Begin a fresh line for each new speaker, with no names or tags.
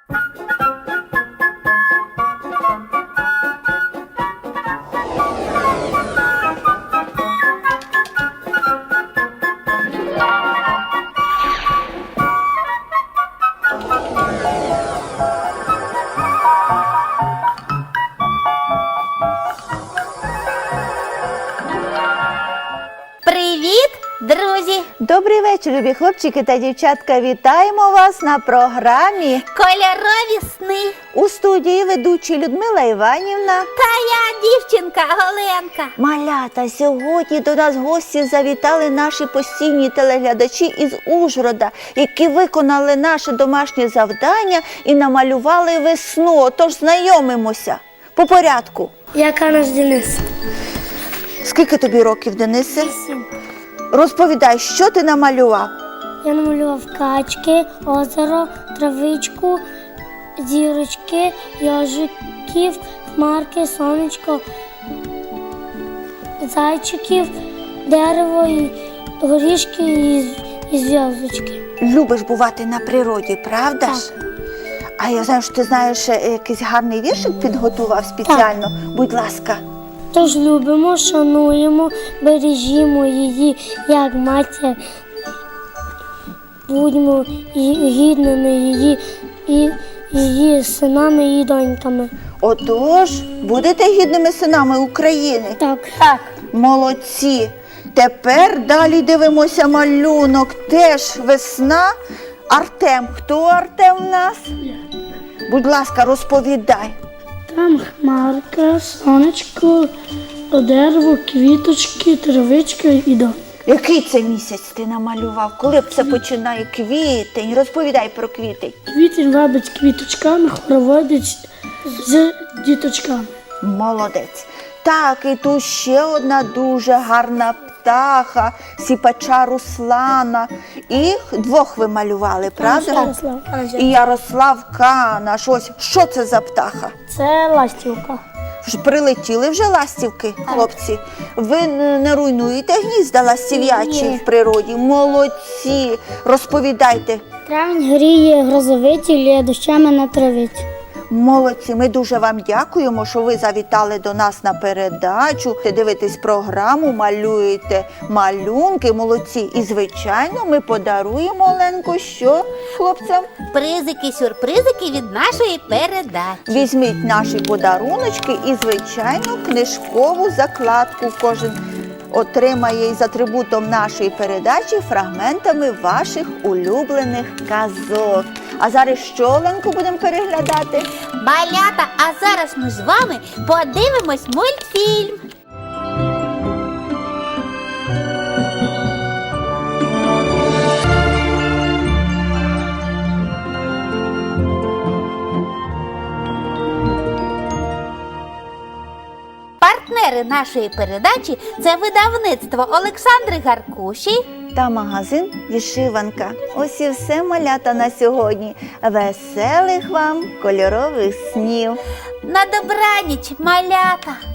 Привіт, друзі!
Добрий вечір, любі хлопчики та дівчатка. Вітаємо вас на програмі
Кольорові сни.
у студії ведучі Людмила Іванівна.
Та я дівчинка Оленка.
Малята, сьогодні до нас гості завітали наші постійні телеглядачі із Ужгорода, які виконали наше домашнє завдання і намалювали весну. Тож знайомимося по порядку.
Я Канаш Денис.
Скільки тобі років, Денисе? Розповідай, що ти намалював?
Я намалював качки, озеро, травичку, зірочки, йожиків, хмарки, сонечко, зайчиків, дерево, горішки і зв'язочки.
Любиш бувати на природі, правда ж? А я знаю, що ти знаєш, якийсь гарний віршик підготував спеціально. Будь ласка.
Тож любимо, шануємо, бережімо її, як матір. Будьмо гідними її і її синами і доньками.
Отож, будете гідними синами України?
Так.
Молодці. Тепер далі дивимося малюнок. Теж весна. Артем. Хто Артем в нас? Будь ласка, розповідай.
Там хмарка, сонечко, дерево, квіточки, травичка і дом.
Який це місяць ти намалював? Коли це починає? Квітень. Розповідай про квітень.
Квітень вабить квіточками, хороводить з діточками.
Молодець. Так, і тут ще одна дуже гарна птаха, сіпача Руслана. І двох ви малювали, правда?
Ярослав.
І Ярослав Канаш. Ось, що це за птаха?
Це ластівка.
Прилетіли вже ластівки, хлопці? Ви не руйнуєте гнізда ластів'ячі в природі? Молодці. Розповідайте.
Травень гріє грозовиті, лє дощами на травиці.
Молодці, ми дуже вам дякуємо, що ви завітали до нас на передачу. Ти дивитесь програму, малюєте малюнки, молодці. І, звичайно, ми подаруємо, Оленко, що хлопцям?
Призики-сюрпризики від нашої передачі.
Візьміть наші подаруночки і, звичайно, книжкову закладку. Кожен отримає із атрибутом нашої передачі фрагментами ваших улюблених казок. А зараз що, Оленко, будемо переглядати?
Малята, а зараз ми з вами подивимось мультфільм. Партнери нашої передачі – це видавництво Олександри Гаркуші
Та магазин «Вишиванка». Ось і все, малята, на сьогодні. Веселих вам кольорових снів!
На добраніч, малята!